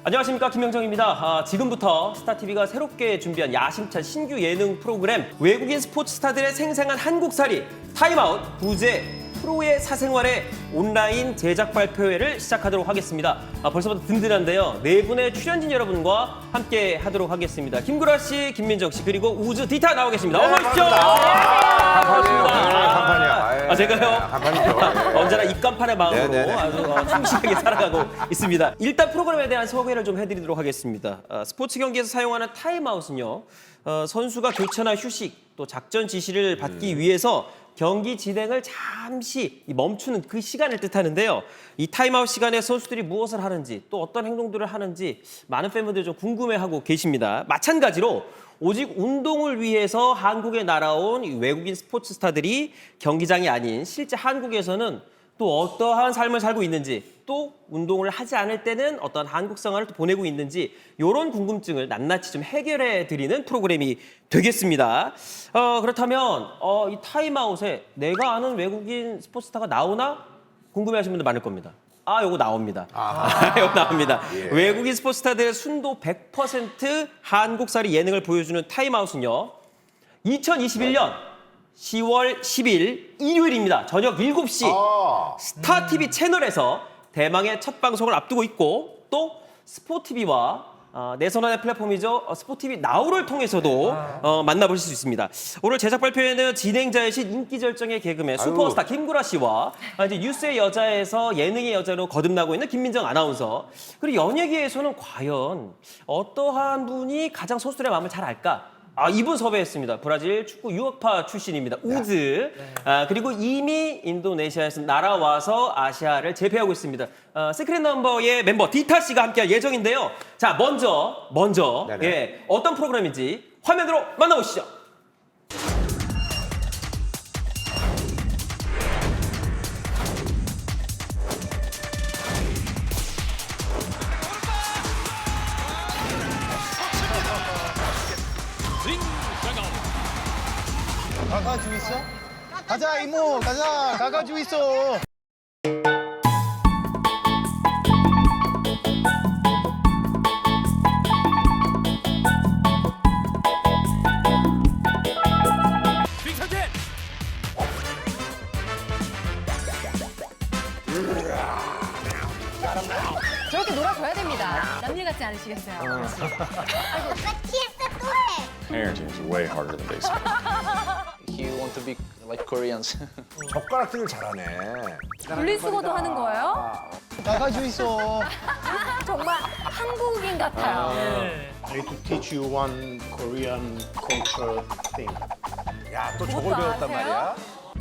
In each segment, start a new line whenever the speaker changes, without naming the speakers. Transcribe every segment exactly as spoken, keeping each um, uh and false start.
안녕하십니까, 김영정입니다. 아, 지금부터 스타티비가 새롭게 준비한 야심찬 신규 예능 프로그램 외국인 스포츠 스타들의 생생한 한국살이 타임아웃 부재 프로의 사생활의 온라인 제작 발표회를 시작하도록 하겠습니다. 아, 벌써부터 든든한데요. 네 분의 출연진 여러분과 함께 하도록 하겠습니다. 김구라 씨, 김민정 씨, 그리고 우즈 디타 나오 계십니다. 어서 오십시오.
반갑습니다. 간판이야.
아, 제가요?
간판이죠.
언제나 입간판의 마음으로
네네네.
아주 어, 충실하게 살아가고 있습니다. 일단 프로그램에 대한 소개를 좀 해드리도록 하겠습니다. 어, 스포츠 경기에서 사용하는 타임아웃은요. 어, 선수가 교체나 휴식, 또 작전 지시를 받기
음.
위해서 경기 진행을 잠시 멈추는 그 시간을 뜻하는데요. 이 타임아웃 시간에 선수들이 무엇을 하는지 또 어떤 행동들을 하는지 많은 팬분들이 좀 궁금해하고 계십니다. 마찬가지로 오직 운동을 위해서 한국에 날아온 이 외국인 스포츠 스타들이 경기장이 아닌 실제 한국에서는 또 어떠한 삶을 살고 있는지, 또 운동을 하지 않을 때는 어떤 한국 생활을 또 보내고 있는지 이런 궁금증을 낱낱이 좀 해결해 드리는 프로그램이 되겠습니다. 어, 그렇다면 어, 이 타임아웃에 내가 아는 외국인 스포츠스타가 나오나 궁금해하시는 분들 많을 겁니다. 아, 요거 나옵니다. 아, 요거 나옵니다.
예.
외국인 스포츠스타들의 순도 백 퍼센트 한국살이 예능을 보여주는 타임아웃은요. 이천이십일 년 시월 십일 일요일입니다. 저녁 일곱 시
아.
스타티비 채널에서 대망의 첫 방송을 앞두고 있고, 또 스포티비와 어, 내선환의 플랫폼이죠. 어, 스포티비 나우를 통해서도 어, 만나보실 수 있습니다. 오늘 제작 발표에는 진행자이신 인기 절정의 개그맨 슈퍼스타 김구라 씨와 아, 이제 뉴스의 여자에서 예능의 여자로 거듭나고 있는 김민정 아나운서, 그리고 연예계에서는 과연 어떠한 분이 가장 선수들의 마음을 잘 알까? 아, 이분 섭외했습니다. 브라질 축구 유학파 출신입니다. 우즈. 아, 그리고 이미 인도네시아에서 날아와서 아시아를 제패하고 있습니다. 어, 시크릿 넘버의 멤버 디타 씨가 함께할 예정인데요. 자, 먼저, 먼저,
네네.
예, 어떤 프로그램인지 화면으로 만나보시죠.
가가지고 있어? 가자 이모 가자 가가지고 있어.
저렇게 놀아줘야 됩니다. 남일 같지 않으시겠어요?
Parenting is way harder than baseball.
You want to be like Koreans.
젓가락질을 잘하네.
분리수거도 하는 거예요?
가가지고 있어.
정말 한국인 같아요.
I need to teach you one Korean culture thing.
야, 또 저걸
그것도
배웠단
아세요?
말이야?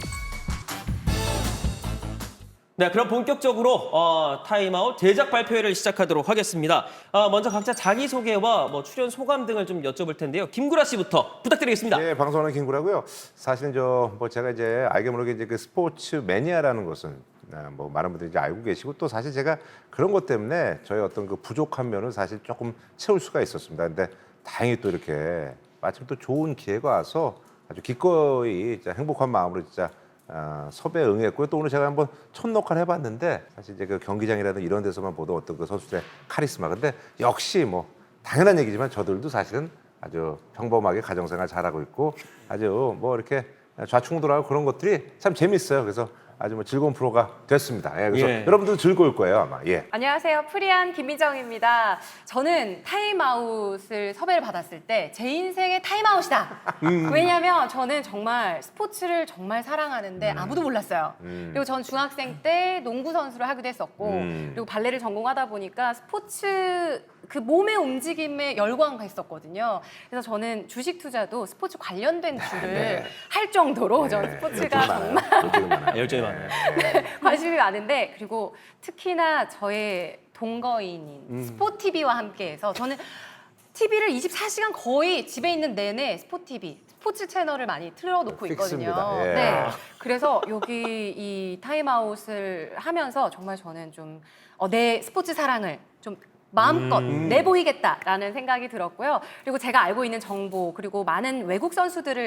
네, 그럼 본격적으로 어, 타임아웃 제작 발표회를 시작하도록 하겠습니다. 어, 먼저 각자 자기소개와 뭐 출연 소감 등을 좀 여쭤볼 텐데요. 김구라 씨부터 부탁드리겠습니다.
예, 방송하는 김구라고요. 사실은 저 뭐 제가 이제 알게 모르게 이제 그 스포츠 매니아라는 것은 아, 뭐 많은 분들이 이제 알고 계시고, 또 사실 제가 그런 것 때문에 저희 어떤 그 부족한 면을 사실 조금 채울 수가 있었습니다. 근데 다행히 또 이렇게 마침 또 좋은 기회가 와서 아주 기꺼이 진짜 행복한 마음으로 진짜 어, 섭외에 응했고요. 또 오늘 제가 한번 첫 녹화를 해봤는데 사실 이제 그 경기장이라든 이런 데서만 보던 어떤 그 선수들의 카리스마. 근데 역시 뭐 당연한 얘기지만 저들도 사실은 아주 평범하게 가정생활 잘하고 있고 아주 뭐 이렇게 좌충우돌하고 그런 것들이 참 재밌어요. 그래서 아주 뭐 즐거운 프로가 됐습니다. 예, 그래서
예.
여러분들도 즐거울 거예요 아마. 예.
안녕하세요. 프리한 김민정입니다. 저는 타임아웃을 섭외를 받았을 때 제 인생의 타임아웃이다. 왜냐하면 저는 정말 스포츠를 정말 사랑하는데 아무도 몰랐어요.
음.
그리고 전 중학생 때 농구 선수를 하기도 했었고,
음.
그리고 발레를 전공하다 보니까 스포츠 그 몸의 움직임에 열광가 했었거든요. 그래서 저는 주식 투자도 스포츠 관련된 주를 할 정도로 저는 스포츠가 정말
열정이 많아요.
열정이 많아요.
관심이 많은데, 그리고 특히나 저의 동거인인
음.
스포티비와 함께해서 저는 티비를 이십사 시간 거의 집에 있는 내내 스포티비, 스포츠 채널을 많이 틀어놓고 있거든요.
픽스입니다. 예.
네, 그래서 여기 이 타임아웃을 하면서 정말 저는 좀 어, 내 스포츠 사랑을 좀 마음껏
음.
내보이겠다라는 생각이 들었고요. 그리고 제가 알고 있는 정보, 그리고 많은 외국 선수들을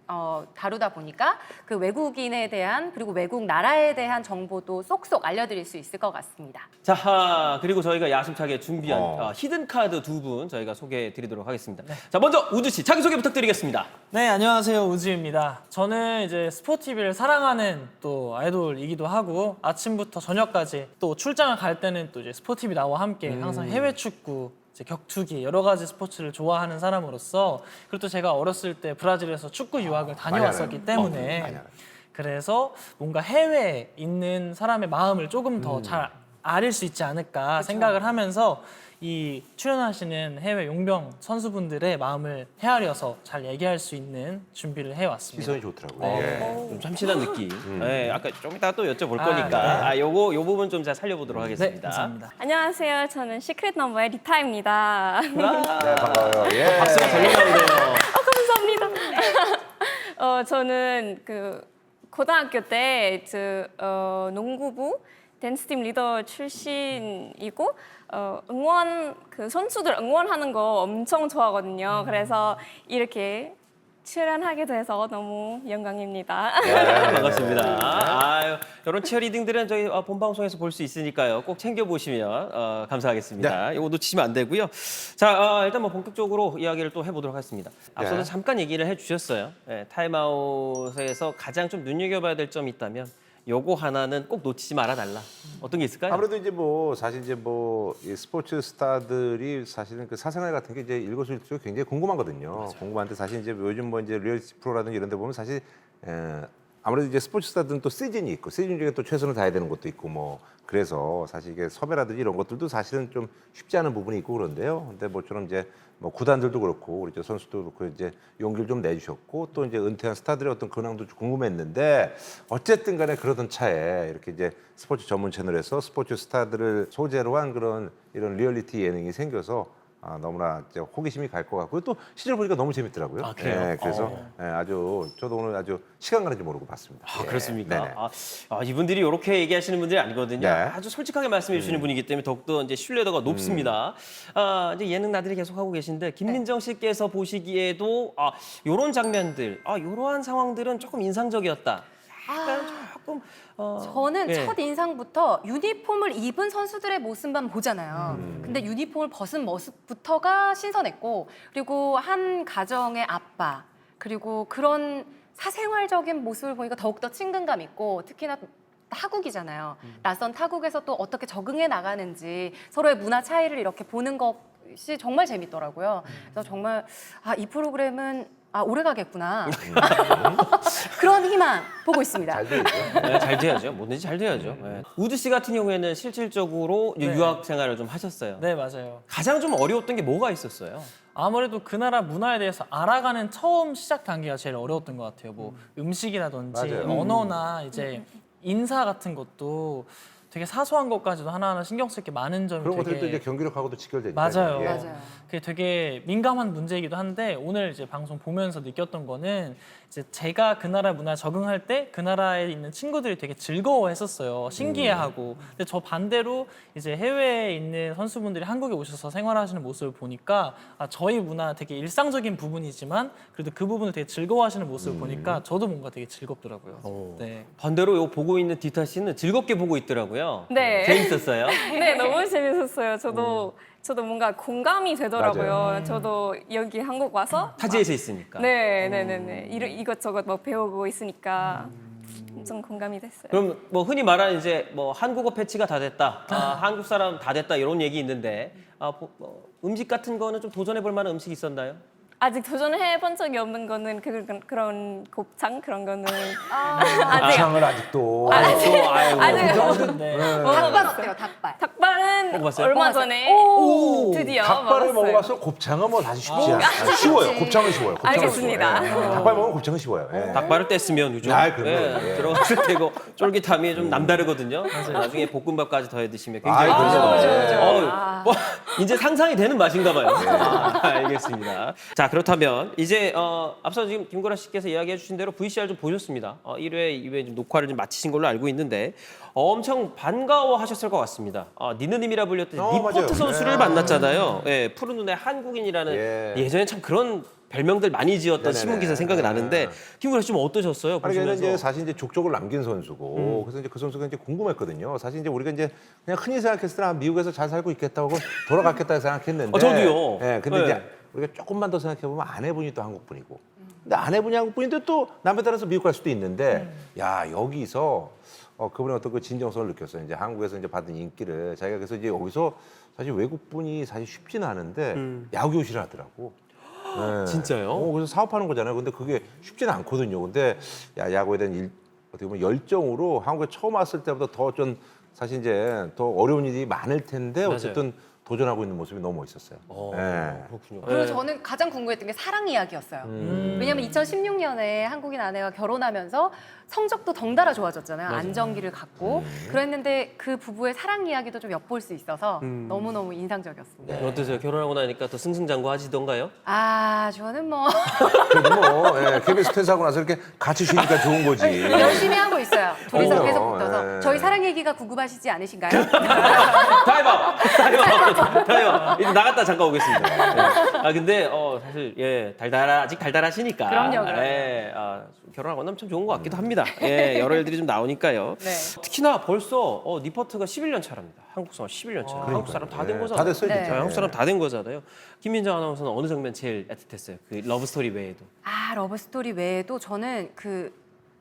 어, 다루다 보니까 그 외국인에 대한 그리고 외국 나라에 대한 정보도 쏙쏙 알려드릴 수 있을 것 같습니다.
자, 하, 그리고 저희가 야심차게 준비한
어.
어, 히든 카드 두 분 저희가 소개해 드리도록 하겠습니다. 자, 먼저 우주 씨 자기 소개 부탁드리겠습니다.
네, 안녕하세요. 우지입니다. 저는 이제 스포티비를 사랑하는 또 아이돌이기도 하고 아침부터 저녁까지 또 출장을 갈 때는 또 이제 스포티비 나와 함께 항상 해외 축구, 이제 격투기 여러 가지 스포츠를 좋아하는 사람으로서 그리고 또 제가 어렸을 때 브라질에서 축구 유학을 다녀왔었기 때문에
많이 알아요.
그래서 뭔가 해외에 있는 사람의 마음을 조금 더 잘 아릴 수 있지 않을까 생각을 하면서 이 출연하시는 해외 용병 선수분들의 마음을 헤아려서 잘 얘기할 수 있는 준비를 해왔습니다.
시선이 좋더라고요.
어,
예.
좀 참신한 느낌. 네, 아까 좀 이따 또 여쭤볼
아,
거니까
네.
아, 요거 요 부분 좀 잘 살려보도록
네,
하겠습니다.
감사합니다.
안녕하세요. 저는 시크릿 넘버의 리타입니다.
네, 반가워요. 예.
박수가 잘 나오네요.
감사합니다. 어, 저는 그 고등학교 때 그, 어, 농구부 댄스팀 리더 출신이고 어, 응원 그 선수들 응원하는 거 엄청 좋아하거든요. 그래서 이렇게 출연하게 돼서 너무 영광입니다.
네, 반갑습니다. 아유, 이런 치어리딩들은 저희 어, 본 방송에서 볼 수 있으니까요. 꼭 챙겨 보시면 어, 감사하겠습니다. 이거 놓치시면 안 되고요. 자, 어, 일단 뭐 본격적으로 이야기를 또 해보도록 하겠습니다. 앞서도
네.
잠깐 얘기를 해주셨어요. 네, 타임아웃에서 가장 좀 눈여겨봐야 될 점이 있다면 요거 하나는 꼭 놓치지 말아 달라. 어떤 게 있을까요?
아무래도 이제 뭐 사실 이제 뭐이 스포츠 스타들이 사실은 그 사생활 같은 게 이제 일거수일투족 굉장히 궁금하거든요. 궁금한데 사실 이제 요즘 뭐 이제 리얼리티 프로라든지 이런 데 보면 사실 에, 아무래도 이제 스포츠 스타들은 또 시즌이 있고 시즌 중에 또 최선을 다해야 되는 것도 있고 뭐 그래서 사실 이게 섭외라든지 이런 것들도 사실은 좀 쉽지 않은 부분이 있고 그런데요. 근데 뭐처럼 이제 뭐 구단들도 그렇고 우리 저 선수도 그렇고 이제 용기를 좀 내주셨고 또 이제 은퇴한 스타들의 어떤 근황도 좀 궁금했는데 어쨌든 간에 그러던 차에 이렇게 이제 스포츠 전문 채널에서 스포츠 스타들을 소재로 한 그런 이런 리얼리티 예능이 생겨서 아, 너무나 이제 호기심이 갈 것 같고 또 시절 보니까 너무 재밌더라고요.
아, 그래요?
예, 그래서
어.
예, 아주 저도 오늘 아주 시간 가는지 모르고 봤습니다.
아,
예,
그렇습니까?
네네.
아, 아, 이분들이 이렇게 얘기하시는 분들이 아니거든요.
네.
아주 솔직하게 말씀해 주시는 분이기 때문에 더욱더 이제 신뢰도가 높습니다. 아, 이제 예능 나들이 계속 하고 계신데 김민정 씨께서 보시기에도 아, 요런 장면들, 아, 요러한 상황들은 조금 인상적이었다. 약간 조금 어,
저는
예.
첫 인상부터 유니폼을 입은 선수들의 모습만 보잖아요.
음.
근데 유니폼을 벗은 모습부터가 신선했고 그리고 한 가정의 아빠 그리고 그런 사생활적인 모습을 보니까 더욱더 친근감 있고 특히나 타국이잖아요. 낯선 타국에서 또 어떻게 적응해 나가는지 서로의 문화 차이를 이렇게 보는 것이 정말 재밌더라고요. 그래서 정말 아, 이 프로그램은 아, 오래 가겠구나. 그런 희망 보고 있습니다.
잘 되죠.
네, 잘 돼야죠. 뭐든지 잘 돼야죠. 네. 우드 씨 같은 경우에는 실질적으로 이제
네.
유학 생활을 좀 하셨어요.
네, 맞아요.
가장 좀 어려웠던 게 뭐가 있었어요?
아무래도 그 나라 문화에 대해서 알아가는 처음 시작 단계가 제일 어려웠던 것 같아요. 뭐 음식이라든지
맞아요.
언어나 이제 인사 같은 것도 되게 사소한 것까지도 하나하나 신경 쓸 게 많은 점이
그런
되게
것들이 또 이제 경기력하고도 직결되니까.
맞아요.
예.
맞아요.
그게 되게 민감한 문제이기도 한데 오늘 이제 방송 보면서 느꼈던 거는 이제 제가 그 나라 문화에 적응할 때 그 나라에 있는 친구들이 되게 즐거워했었어요. 신기해하고. 근데 저 반대로 이제 해외에 있는 선수분들이 한국에 오셔서 생활하시는 모습을 보니까 아, 저희 문화 되게 일상적인 부분이지만 그래도 그 부분을 되게 즐거워하시는 모습을 보니까 저도 뭔가 되게 즐겁더라고요. 네.
반대로 요 보고 있는 디타 씨는 즐겁게 보고 있더라고요.
네.
재밌었어요?
네, 너무 재밌었어요. 저도 저도 뭔가 공감이 되더라고요.
맞아요.
저도 여기 한국 와서
타지에서 있으니까.
네, 네, 네, 네. 이러- 이것저것 뭐 배우고 있으니까 좀 공감이 됐어요.
그럼 뭐 흔히 말하는 이제 뭐 한국어 패치가 다 됐다, 아, 한국 사람 다 됐다 이런 얘기 있는데 아, 뭐, 뭐 음식 같은 거는 좀 도전해 볼 만한 음식 있었나요?
아직 도전해 본 적이 없는 거는 그, 그, 그런 곱창 그런 거는
아,
아직
창을 아직도.
또 아이고.
아직
네.
닭발 어때요? 닭발.
닭발은
먹어봤어요?
얼마
먹어봤어요?
전에
오!
드디어
닭발을
먹었어요.
먹어봐서 곱창은 뭐 사실 쉽지 않아요. 아, 쉬워요. 곱창은 쉬워요. 곱창은
알겠습니다.
쉬워요. 예. 닭발 먹으면 곱창은 쉬워요. 예.
닭발을 뗐으면 그죠?
아, 그럼요. 예.
들어갔을 때고 쫄깃함이 좀 남다르거든요. 나중에 볶음밥까지 더해 드시면 굉장히
아, 그렇죠.
맛있거든요.
맞아요.
어우, 뭐, 이제 상상이 되는 맛인가 봐요. 아, 알겠습니다. 자, 그렇다면 이제 어, 앞서 지금 김구라 씨께서 이야기해 주신 대로 브이씨알 좀 보셨습니다. 어, 일 회, 이 회 좀 녹화를 좀 마치신 걸로 알고 있는데 어, 엄청 반가워하셨을 것 같습니다. 어, 니느님이라 불렸던
어,
니포트
맞아요.
선수를
예.
만났잖아요. 예, 푸른 눈의 한국인이라는
예.
예전에 참 그런 별명들 많이 지었던
네네네.
신문 기사 생각이 나는데 김구라 씨 좀 어떠셨어요?
아니, 걔는
보시면서?
이제 사실 이제 족적을 남긴 선수고,
음.
그래서 이제 그 선수가 이제 궁금했거든요. 사실 이제 우리가 이제 그냥 흔히 생각했을 때는 아, 미국에서 잘 살고 있겠다고 돌아갔겠다 생각했는데.
어, 저도요.
예, 근데
네.
이제 우리가 조금만 더 생각해 보면 아내분이 또 한국 분이고, 근데 아내분이 한국 분인데 또 남에 따라서 미국 갈 수도 있는데, 야 여기서 어, 그분의 어떤 그 진정성을 느꼈어요. 이제 한국에서 이제 받은 인기를 자기가 그래서 이제 여기서 사실 외국 분이 사실 쉽지는 않은데 야구 교실을 하더라고. 네.
음. 진짜요?
어, 그래서 사업하는 거잖아요. 근데 그게 쉽지는 않거든요. 근데 야, 야구에 대한 일, 어떻게 보면 열정으로 한국에 처음 왔을 때보다 더 좀 사실 이제 더 어려운 일이 많을 텐데 어쨌든 도전하고 있는 모습이 너무 멋있었어요.
어,
네.
그렇군요.
그리고
네.
저는 가장 궁금했던 게 사랑 이야기였어요.
음.
왜냐면 이천십육 년에 한국인 아내가 결혼하면서 성적도 덩달아 좋아졌잖아요. 안정기를 갖고.
음.
그랬는데 그 부부의 사랑 이야기도 좀 엿볼 수 있어서
음.
너무너무 인상적이었습니다.
어떠세요? 결혼하고 나니까 더 승승장구하시던가요?
아, 저는 뭐
그래도 뭐 예, 케이비에스 퇴사하고 나서 이렇게 같이 쉬니까 좋은 거지.
열심히 하고 있어요. 둘이서
그럼요.
계속 붙어서.
예.
저희 사랑 얘기가 궁금하시지 않으신가요?
타임아웃! 타임아웃! 타임아웃! 이제 나갔다 잠깐 오겠습니다. 네. 아 근데 어 사실 예 달달하 아직 달달하시니까.
그럼요, 그럼요.
예, 아, 결혼하고 나면 참 좋은 것 같기도 합니다. 예, 여러 일들이 좀 나오니까요.
네.
특히나 벌써 어, 니퍼트가 십일 년 차랍니다. 한국 생활 십일 년 차. 한국 사람 다 된
예,
거잖아요.
다 됐어요,
네.
진짜.
네, 한국 사람 다 된 거잖아요. 김민정 아나운서는 어느 장면 제일 애틋했어요? 그 러브 스토리 외에도.
아, 러브스토리 외에도 저는 그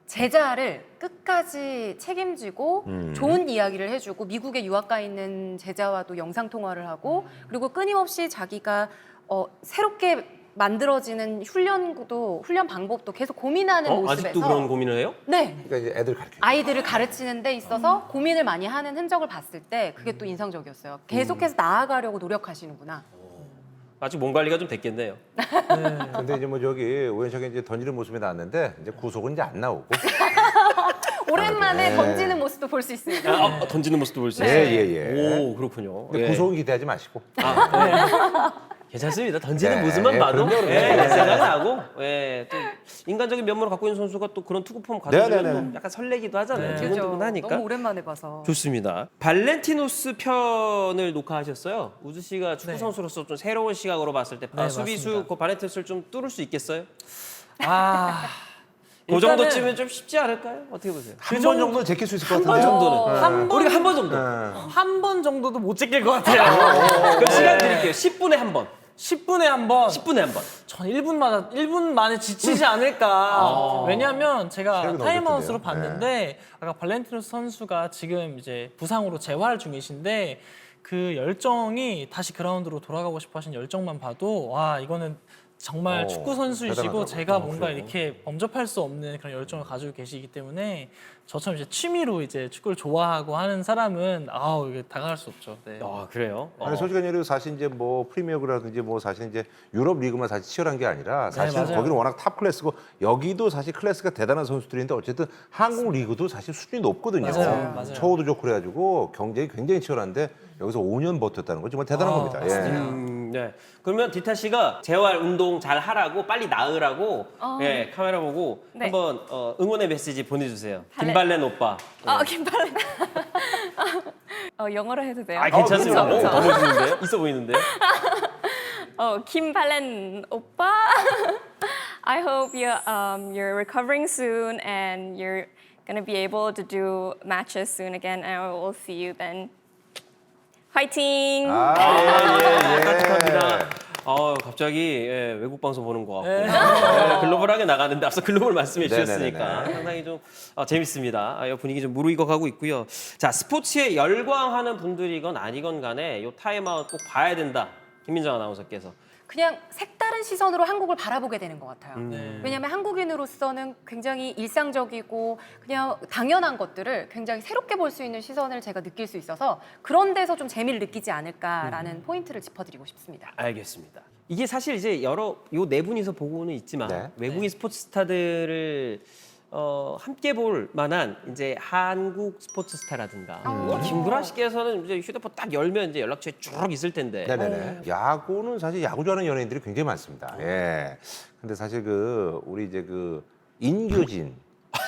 제자를 끝까지 책임지고
음.
좋은 이야기를 해주고 미국에 유학 가 있는 제자와도 영상 통화를 하고 그리고 끊임없이 자기가 어, 새롭게 만들어지는 훈련도 훈련 방법도 계속 고민하는
어?
모습에서
아직도 그런 고민을 해요?
네.
그러니까 이제 애들 가르쳐.
아이들을 가르치는 데 있어서 고민을 많이 하는 흔적을 봤을 때 그게 또 인상적이었어요. 계속해서 나아가려고 노력하시는구나.
아직 몸 관리가 좀 됐겠네요.
근데 이제 뭐 저기 우연찮게 이제 던지는 모습이 나왔는데 이제 구속은 이제 안 나오고.
오랜만에
네.
던지는 모습도 볼 수 있습니다.
아, 아, 던지는 모습도 볼 수
예,
있어요.
예, 예.
오, 그렇군요.
근데
예.
구속은 기대하지 마시고.
괜찮습니다. 던지는
네,
모습만
예,
봐도
그럼요, 그럼요.
예,
네.
생각이 나고 예, 또 인간적인 면모를 갖고 있는 선수가 또 그런 투구폼
네,
가지고
네,
또
네.
약간 설레기도 하잖아요.
네.
두근두근하니까.
너무 오랜만에 봐서.
좋습니다. 발렌티노스 편을 녹화하셨어요. 우주 씨가 축구
네.
선수로서 좀 새로운 시각으로 봤을 때
네,
아, 수비수
맞습니다.
그 발렌티노스를 좀 뚫을 수 있겠어요?
아,
그
일단은
정도쯤은 좀 쉽지 않을까요? 어떻게 보세요?
한 번 정도는 제낄 수 있을 것
한 번
같은데요.
정도는.
한 번-
우리가 한 번 정도.
한 번 정도도 못 찍힐 것 같아요.
그럼 시간 드릴게요. 십 분에 한 번.
십 분에 한 번.
십 분에 한 번.
전 일 분마다 일 분 만에 지치지 않을까. 왜냐하면 제가
체력이 너무
타임아웃으로
좋던데요.
봤는데 아까 발렌티노스 선수가 지금 이제 부상으로 재활 중이신데 그 열정이 다시 그라운드로 돌아가고 싶어 하신 열정만 봐도 와 이거는 정말
어,
축구 선수이시고
대단하더라고요.
제가
아,
뭔가
그래요?
이렇게 범접할 수 없는 그런 열정을 가지고 계시기 때문에 저처럼 이제 취미로 이제 축구를 좋아하고 하는 사람은 아우 이게 다가갈 수 없죠. 네.
아, 그래요? 어.
아니 솔직히 얘기해서 사실 이제 뭐 프리미어라든지 뭐 사실 이제 유럽 리그만 사실 치열한 게 아니라 사실
맞아요.
거기는 워낙 탑 클래스고 여기도 사실 클래스가 대단한 선수들인데 어쨌든 한국 리그도 사실 수준이 높거든요.
맞아요, 맞아요.
처우도 좋고 그래가지고 경쟁이 굉장히 치열한데 여기서 오 년 버텼다는 건 정말 대단한
아,
겁니다.
맞습니다.
예.
음, 네. 그러면 디타 씨가 재활 운동 잘 하라고 빨리 나으라고
어.
예, 카메라 보고
네.
한번 어, 응원의 메시지 보내주세요.
발레-
김발렌 오빠.
아, 김발렌. 어, 영어로 해도 돼요?
아, 괜찮습니다.
그쵸, 그쵸.
오, 너무 멋있는데요? 있어 보이는데요?
어, 김발렌 오빠. I hope you um you're recovering soon and you're gonna be able to do matches soon again. And I will see you then. 화이팅!
아,
예, 깜찍합니다. 어, 갑자기 예, 외국 방송 보는 것 같고 예, 글로벌하게 나가는데 앞서 글로벌 말씀해 주셨으니까
네네네네.
상당히 좀 어, 재밌습니다. 아, 이 분위기 좀 무르익어가고 있고요. 자, 스포츠에 열광하는 분들이건 아니건 간에 이 타임아웃 꼭 봐야 된다. 김민정 아나운서께서.
그냥 색다른 시선으로 한국을 바라보게 되는 것 같아요.
네.
왜냐하면 한국인으로서는 굉장히 일상적이고 그냥 당연한 것들을 굉장히 새롭게 볼 수 있는 시선을 제가 느낄 수 있어서 그런 데서 좀 재미를 느끼지 않을까라는
음.
포인트를 짚어드리고 싶습니다.
알겠습니다. 이게 사실 이제 여러 요 네 분이서 보고는 있지만
네.
외국인 스포츠 스타들을 어, 함께 볼 만한 이제 한국 스포츠 스타라든가 뭐 김구라 씨께서는 이제 휴대폰 딱 열면 이제 연락처에 쭉 있을 텐데.
네네네. 야구는 사실 야구 좋아하는 연예인들이 굉장히 많습니다. 예. 근데 사실 그 우리 이제 그 인교진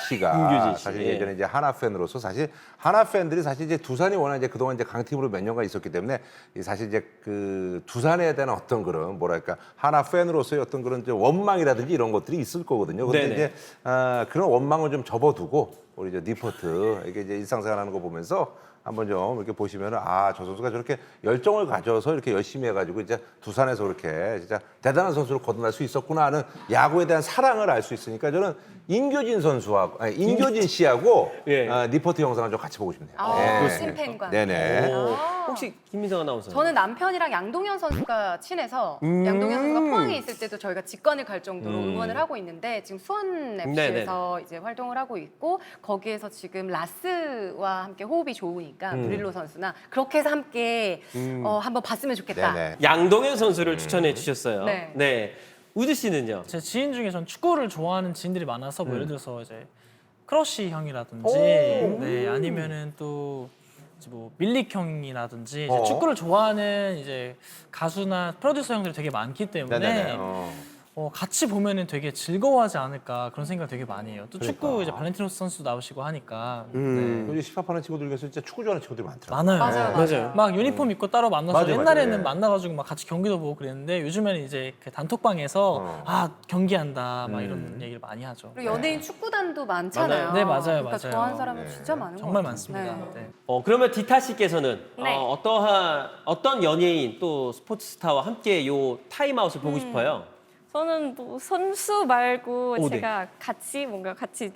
씨가
김규진 씨.
사실
예.
예전에 이제 하나 팬으로서 사실 하나 팬들이 사실 이제 두산이 워낙 이제 그동안 이제 강팀으로 몇 년간 있었기 때문에 이 사실 이제 그 두산에 대한 어떤 그런 뭐랄까 하나 팬으로서의 어떤 그런 이제 원망이라든지 이런 것들이 있을 거거든요. 근데
네네.
이제 아, 그런 원망을 좀 접어두고 우리 저 니포트 이게 이제 일상생활하는 거 보면서 한번 좀 이렇게 보시면은 아, 저 선수가 저렇게 열정을 가져서 이렇게 열심히 해가지고 이제 두산에서 그렇게 진짜 대단한 선수로 거듭날 수 있었구나 하는 야구에 대한 사랑을 알 수 있으니까 저는 임교진 선수하고 아니, 임교진 씨하고
예.
아, 리포트 영상을 좀 같이 보고 싶네요.
아,
예.
찐팬과.
네네.
오, 혹시 김민정 아나운서?
저는 남편이랑 양동현 선수가 친해서
음.
양동현 선수가 포항에 있을 때도 저희가 직관을 갈 정도로
음.
응원을 하고 있는데 지금 수원
네네.
에프씨에서 이제 활동을 하고 있고 거기에서 지금 라스와 함께 호흡이 좋으니까
음.
브릴로 선수나 그렇게 해서 함께 어, 한번 봤으면 좋겠다.
네네.
양동현 선수를 추천해 주셨어요.
네.
네. 우주 씨는요?
제 지인 중에 전 축구를 좋아하는 지인들이 많아서 뭐 예를 들어서 이제 크러쉬 형이라든지
오.
네 아니면은 또 이제 뭐 밀릭 형이라든지 이제
어.
축구를 좋아하는 이제 가수나 프로듀서 형들이 되게 많기 때문에
네네네. 어.
어, 같이 보면은 되게 즐거워하지 않을까 그런 생각을 되게 많이 해요. 또 축구
그러니까.
이제 발렌티노스 선수 나오시고 하니까
음.
네.
요즘 힙합하는 친구들 중에서 진짜 축구 좋아하는 친구들이 많더라고요.
많아요.
맞아요,
맞아요.
막 유니폼 입고 따로 만나서
맞아요,
옛날에는
맞아요.
만나가지고 막 같이 경기도 보고 그랬는데 요즘에는 이제 그 단톡방에서
어.
아 경기한다 막
음.
이런 얘기를 많이 하죠.
그리고 연예인 축구단도 많잖아요.
맞아요. 네, 맞아요,
그러니까
맞아요.
좋아하는 사람은
네.
진짜 많은 것
정말
같아요.
많습니다.
네.
네.
어, 그러면 디타 씨께서는
네.
어, 어떠한 어떤 연예인 또 스포츠 스타와 함께 요 타임아웃을 보고 싶어요?
저는 뭐 선수 말고
오, 네.
제가 같이 뭔가 같이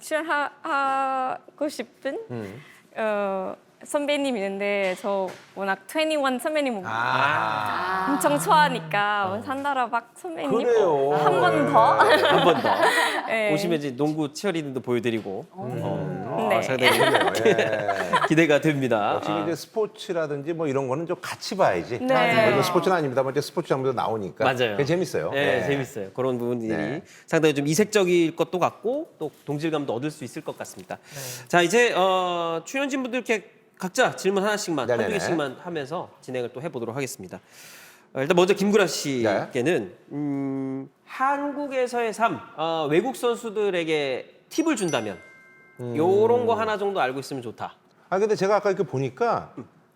출연하고 싶은
음.
어, 선배님 있는데 저 워낙 이십일 선배님
아.
엄청 좋아하니까 산다라 박 선배님
그래요.
한 번 더.
한 번 더.
네.
오시면 이제 농구 치어리딩도 보여드리고 어,
네.
아, 상당히
그래요. 예.
기대가 됩니다.
역시
아.
이제 스포츠라든지 뭐 이런 거는 좀 같이 봐야지.
네.
뭐 이거 스포츠는 아닙니다만 이제 스포츠 장면도 나오니까.
맞아요.
그게 재밌어요.
네,
네.
재밌어요. 그런 부분들이
네.
상당히 좀 이색적일 것도 같고 또 동질감도 얻을 수 있을 것 같습니다. 자, 이제 어, 출연진분들께 각자 질문 하나씩만 한두
네네네.
개씩만 하면서 진행을 또 해보도록 하겠습니다. 어, 일단 먼저 김구라 씨께는 음, 한국에서의 삶, 어, 외국 선수들에게 팁을 준다면 요런 거 하나 정도 알고 있으면 좋다.
아 근데 제가 아까 이렇게 보니까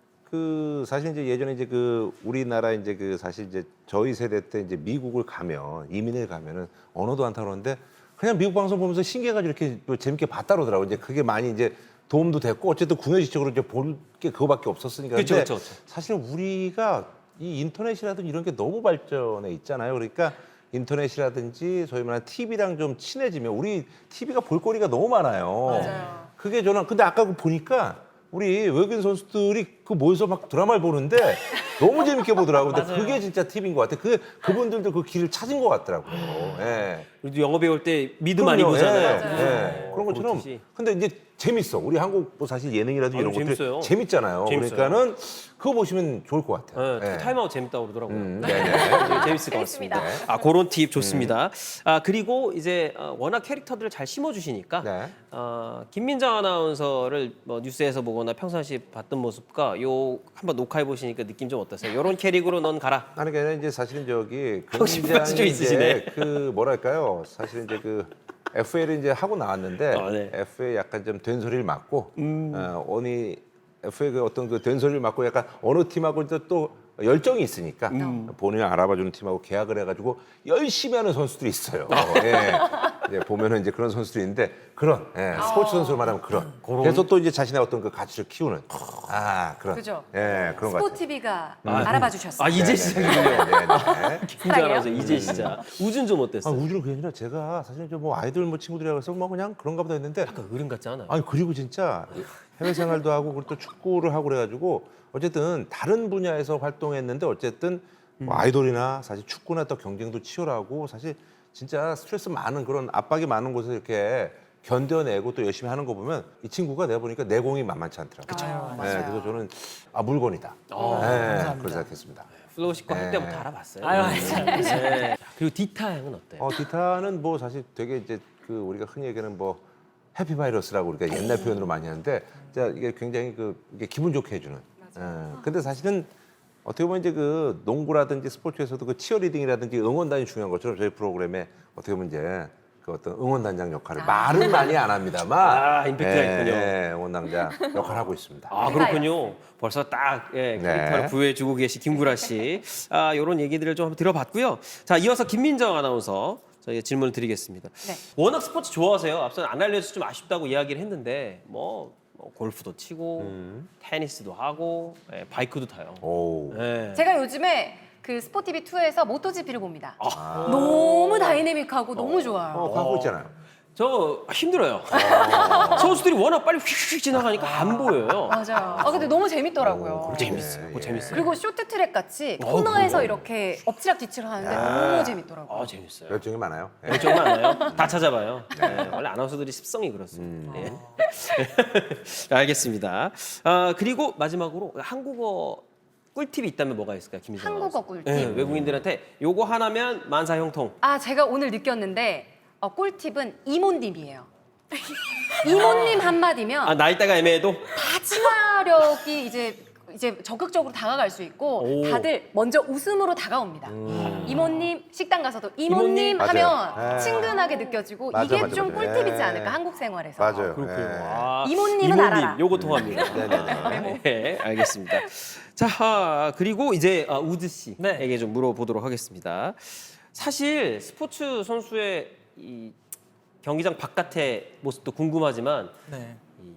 그 사실 이제 예전에 이제 그 우리나라 이제 그 사실 이제 저희 세대 때 이제 미국을 가면 이민을 가면은 언어도 안 타는데 그냥 미국 방송 보면서 신기해가지고 이렇게 또 재밌게 봤다 그러더라고. 이제 그게 많이 이제 도움도 됐고 어쨌든 궁여지적으로 이제 볼 게 그거밖에 없었으니까.
그쵸,
근데
그쵸, 그쵸.
사실 우리가 이 인터넷이라든지 이런 게 너무 발전해 있잖아요. 그러니까 인터넷이라든지 소위 말하는 티비랑 좀 친해지면 우리 티비가 볼거리가 너무 많아요.
맞아요.
그게 저는 근데 아까 그 보니까 우리 외국인 선수들이 그 모여서 막 드라마를 보는데 너무 재밌게 보더라고요. 근데
맞아요.
그게 진짜 팁인 것 같아요. 그 그분들도 그 길을 찾은 것 같더라고요. 예.
우리도 영어 배울 때 미드 많이
그럼요.
보잖아요.
예, 예. 그런 것처럼.
그렇듯이.
근데 이제 재밌어. 우리 한국 뭐 사실 예능이라든지
아유,
이런 것들
재밌어요.
재밌잖아요.
재밌어요.
그러니까는 그거 보시면 좋을 것 같아요.
네,
예.
타임아웃 재밌다고 그러더라고요.
음, 네네.
되게 재밌을 것
재밌습니다.
같습니다. 아, 그런 팁 좋습니다. 아, 그리고 이제 어, 워낙 캐릭터들을 잘 심어주시니까
네.
어, 김민정 아나운서를 뭐 뉴스에서 보거나 평상시 봤던 모습과 요 한번 녹화해 보시니까 느낌 좀 어떠세요? 요런 캐릭으로 넌 가라.
아니 그게 아니라 이제 사실은 저기
혹시 부가치 좀
굉장히
있으시네.
이제 그 뭐랄까요? 사실 이제 그 에프에이를 이제 하고 나왔는데
어, 네. 음.
에프에이 약간 좀 된소리를 맞고 어, 어니 에프에이 그 어떤 그 된소리를 맞고 약간 어느 팀하고 이제 또 열정이 있으니까
음.
본인을 알아봐주는 팀하고 계약을 해가지고 열심히 하는 선수들이 있어요. 예. 이제 보면은 이제 그런 선수들이 있는데 그런 예, 스포츠 선수를 말하면 그런. 그래서 또 이제 자신의 어떤 그 가치를 키우는 아 그런.
그죠?
예, 그런 것 같아요.
스포티비가 알아봐 주셨어요.
아, 이제 시작이군요.
네, 네.
김민정 아나운서 이제 시작. 우준 좀
아,
어땠어요?
우주는 그게 아니라 제가 사실 이제 뭐 아이돌 뭐 친구들이라고 해서 뭐 그냥 그런가 보다 했는데
약간 어른 같지 않아요?
아니 그리고 진짜 해외 생활도 하고 그리고 또 축구를 하고 그래가지고 어쨌든 다른 분야에서 활동했는데 어쨌든 뭐 아이돌이나 사실 축구나 또 경쟁도 치열하고 사실 진짜 스트레스 많은 그런 압박이 많은 곳에서 이렇게 견뎌내고 또 열심히 하는 거 보면 이 친구가 내가 보니까 내공이 만만치 않더라고요.
아유,
네,
맞아요.
그래서 저는 아 물건이다.
어,
네,
감사합니다.
그렇게 생각했습니다.
플로우 씨거 할
네.
때부터 알아봤어요.
아유, 맞아요.
네. 그리고 디타 형은 어때요?
어, 기타는 뭐 사실 되게 이제 그 우리가 흔히 얘기하는 뭐 해피바이러스라고 우리가 옛날 표현으로 많이 하는데 진짜 이게 굉장히 그 이게 기분 좋게 해주는. 예. 근데 사실은 어떻게 보면 이제 그 농구라든지 스포츠에서도 그 치어리딩이라든지 응원단이 중요한 것처럼 저희 프로그램에 어떻게 보면 이제 그 그 어떤 응원단장 역할을 말은 많이 안 합니다만
아, 임팩트가
예,
있군요.
예, 응원단장 역할을 하고 있습니다.
아 그렇군요. 벌써 딱 예, 캐릭터를
네.
부여해주고 계신 김구라 씨. 아 이런 얘기들을 좀 한번 들어봤고요. 자 이어서 김민정 아나운서 저희가 질문을 드리겠습니다.
네.
워낙 스포츠 좋아하세요. 앞서 안 알려서 좀 아쉽다고 이야기를 했는데 뭐, 뭐 골프도 치고
음.
테니스도 하고 예, 바이크도 타요.
오.
예.
제가 요즘에 그 스포티비 투에서 모토지피를 봅니다.
아.
너무 다이내믹하고 너무 좋아요.
어, 하고 있잖아요.
저 힘들어요. 선수들이 워낙 빨리 휙휙 지나가니까 안 보여요.
맞아요. 아 근데 너무 재밌더라고요.
재밌어요. 그거
예.
재밌어요.
그리고 쇼트트랙 같이
어,
코너에서
그래요?
이렇게 엎치락뒤치락 하는데 너무 재밌더라고요.
아 재밌어요.
열정이 많아요. 예.
열정 많아요. 다 찾아봐요. 네, 원래 아나운서들이 습성이 그렇습니다. 예. 알겠습니다. 아, 그리고 마지막으로 한국어 꿀팁이 있다면 뭐가 있을까요, 김민정
한국어
아나운서?
꿀팁.
네, 외국인들한테 요거 하나면 만사형통.
아 제가 오늘 느꼈는데 어, 꿀팁은 이모님이에요. 이모님 한마디면
아 나이대가 애매해도
다 친화력이 이제 이제 적극적으로 다가갈 수 있고
오.
다들 먼저 웃음으로 다가옵니다. 이모님 식당 가서도 이모님,
이모님?
하면
맞아요. 예.
친근하게 느껴지고
맞아,
이게
맞아,
좀
맞아.
꿀팁이지
예.
않을까 한국 생활에서.
맞아요.
그렇군요.
예.
아,
이모님은
이모님,
알아라.
요거 통합니다.
네네네.
네, 알겠습니다. 자, 아, 그리고 이제 아, 우드 씨에게
네.
좀 물어보도록 하겠습니다. 사실 스포츠 선수의 이 경기장 바깥의 모습도 궁금하지만
네.
이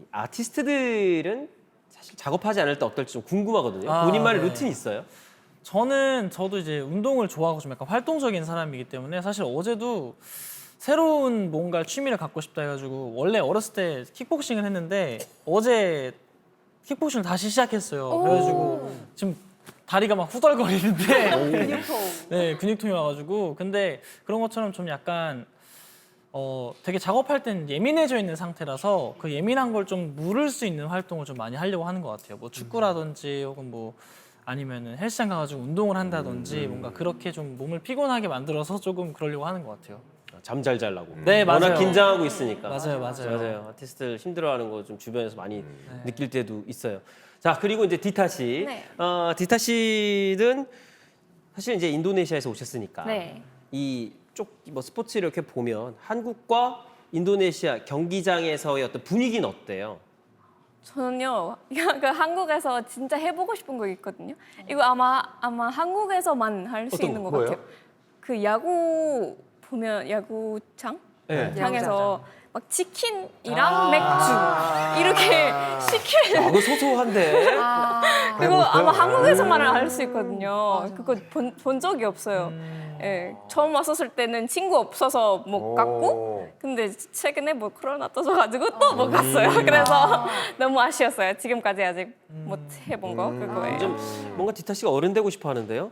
아티스트들은 사실 작업하지 않을 때 어떨지 좀 궁금하거든요.
아,
본인만의
네.
루틴이 있어요?
저는 저도 이제 운동을 좋아하고 좀 약간 활동적인 사람이기 때문에 사실 어제도 새로운 뭔가 취미를 갖고 싶다 해가지고 원래 어렸을 때 킥복싱을 했는데 어제 킥복싱을 다시 시작했어요. 그래가지고 지금 다리가 막 후덜거리는데
근육통.
네 근육통이 와가지고 근데 그런 것처럼 좀 약간 어 되게 작업할 땐 예민해져 있는 상태라서 그 예민한 걸 좀 무를 수 있는 활동을 좀 많이 하려고 하는 것 같아요. 뭐 축구라든지 혹은 뭐 아니면은 헬스장 가가지고 운동을 한다든지 뭔가 그렇게 좀 몸을 피곤하게 만들어서 조금 그러려고 하는 것 같아요.
잠 잘 자려고.
네,
워낙
맞아요.
긴장하고 있으니까.
맞아요, 맞아요.
맞아요. 아티스트들 힘들어하는 거 좀 주변에서 많이
네.
느낄 때도 있어요. 자, 그리고 이제 디타 씨.
네.
어, 디타 씨는 사실 이제 인도네시아에서 오셨으니까
네.
이 쪽 뭐 스포츠를 이렇게 보면 한국과 인도네시아 경기장에서의 어떤 분위기는 어때요?
저는요, 그 한국에서 진짜 해보고 싶은 거 있거든요. 이거 아마 아마 한국에서만 할 수
어떤
있는 것
거예요?
같아요. 그 야구 보면 야구장
네.
장에서 막 치킨이랑
아.
맥주 이렇게 시키는
아, 그거 소소한데.
아,
그거 아마 한국에서만 할 수 있거든요. 그거 본, 본 적이 없어요. 예, 처음 왔었을 때는 친구 없어서 못 갔고,
오.
근데 최근에 뭐 코로나 터져가지고 또 못 갔어요. 그래서 너무 아쉬웠어요. 지금까지 아직 못 해본 거 그거예요.
좀 뭔가 디타 씨가 어른 되고 싶어 하는데요?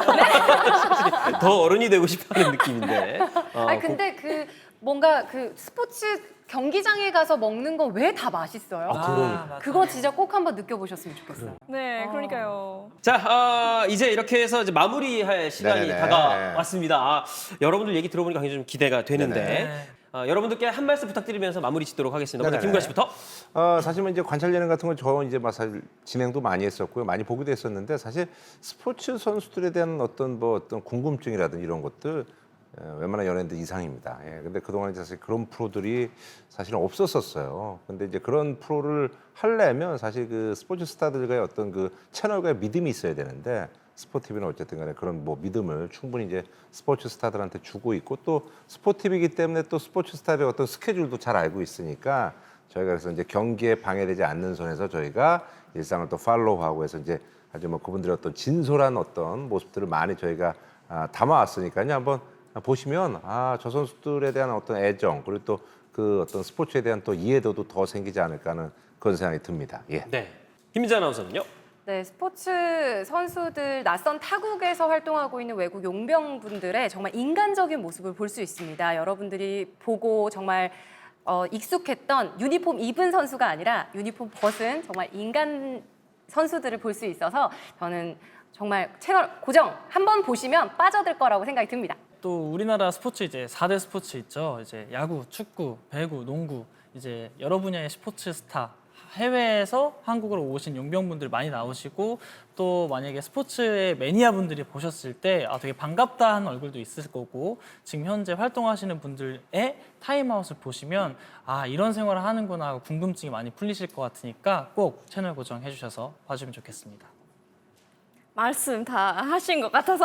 더 어른이 되고 싶어 하는 느낌인데. 어,
아니 근데 그 뭔가 그 스포츠 경기장에 가서 먹는 거 왜 다 맛있어요?
아, 그러니까.
맞아요.
그거 진짜 꼭 한번 느껴보셨으면 좋겠어요.
네, 그러니까요.
자, 어, 이제 이렇게 해서 이제 마무리할 시간이
네네네.
다가왔습니다. 아, 여러분들 얘기 들어보니까 굉장히 좀 기대가 되는데
네네.
어, 여러분들께 한 말씀 부탁드리면서 마무리 짓도록 하겠습니다. 먼저
네네네.
김구라 씨부터.
어, 사실 뭐 이제 관찰 예능 같은 건 저 이제 막 사실 진행도 많이 했었고요. 많이 보기도 했었는데 사실 스포츠 선수들에 대한 어떤 뭐 어떤 궁금증이라든지 이런 것들 어, 웬만한 연예인들 이상입니다. 예. 근데 그동안 이제 사실 그런 프로들이 사실은 없었었어요. 근데 이제 그런 프로를 하려면 사실 그 스포츠 스타들과의 어떤 그 채널과의 믿음이 있어야 되는데 스포티비는 어쨌든 간에 그런 뭐 믿음을 충분히 이제 스포츠 스타들한테 주고 있고 또 스포티비이기 때문에 또 스포츠 스타들의 어떤 스케줄도 잘 알고 있으니까 저희가 그래서 이제 경기에 방해되지 않는 선에서 저희가 일상을 또 팔로우하고 해서 이제 아주 뭐 그분들의 어떤 진솔한 어떤 모습들을 많이 저희가 아, 담아왔으니까요. 한번 보시면 아, 저 선수들에 대한 어떤 애정 그리고 또 그 어떤 스포츠에 대한 또 이해도도 더 생기지 않을까 하는 그런 생각이 듭니다. 예.
네. 김민자 아나운서는요?
네, 스포츠 선수들 낯선 타국에서 활동하고 있는 외국 용병분들의 정말 인간적인 모습을 볼 수 있습니다. 여러분들이 보고 정말 어, 익숙했던 유니폼 입은 선수가 아니라 유니폼 벗은 정말 인간 선수들을 볼 수 있어서 저는 정말 채널 고정 한번 보시면 빠져들 거라고 생각이 듭니다.
또 우리나라 스포츠 이제 사 대 스포츠 있죠. 이제 야구, 축구, 배구, 농구 이제 여러 분야의 스포츠 스타 해외에서 한국으로 오신 용병분들 많이 나오시고 또 만약에 스포츠의 매니아 분들이 보셨을 때 아, 되게 반갑다 하는 얼굴도 있을 거고 지금 현재 활동하시는 분들의 타임아웃을 보시면 아 이런 생활을 하는구나 하고 궁금증이 많이 풀리실 것 같으니까 꼭 채널 고정해 주셔서 봐주면 좋겠습니다.
말씀 다 하신 것 같아서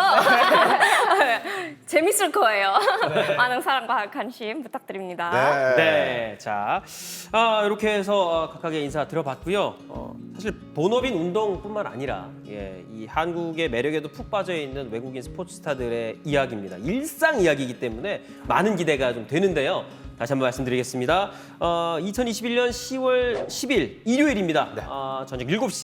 재밌을 거예요. 많은 사랑과 관심 부탁드립니다.
네.
네, 자 아, 이렇게 해서 어, 각각의 인사 들어봤고요. 어, 사실 본업인 운동뿐만 아니라 예, 이 한국의 매력에도 푹 빠져 있는 외국인 스포츠 스타들의 이야기입니다. 일상 이야기이기 때문에 많은 기대가 좀 되는데요. 다시 한번 말씀드리겠습니다. 어, 이천이십일 년 시월 십일 일요일입니다. 어, 저녁 일곱 시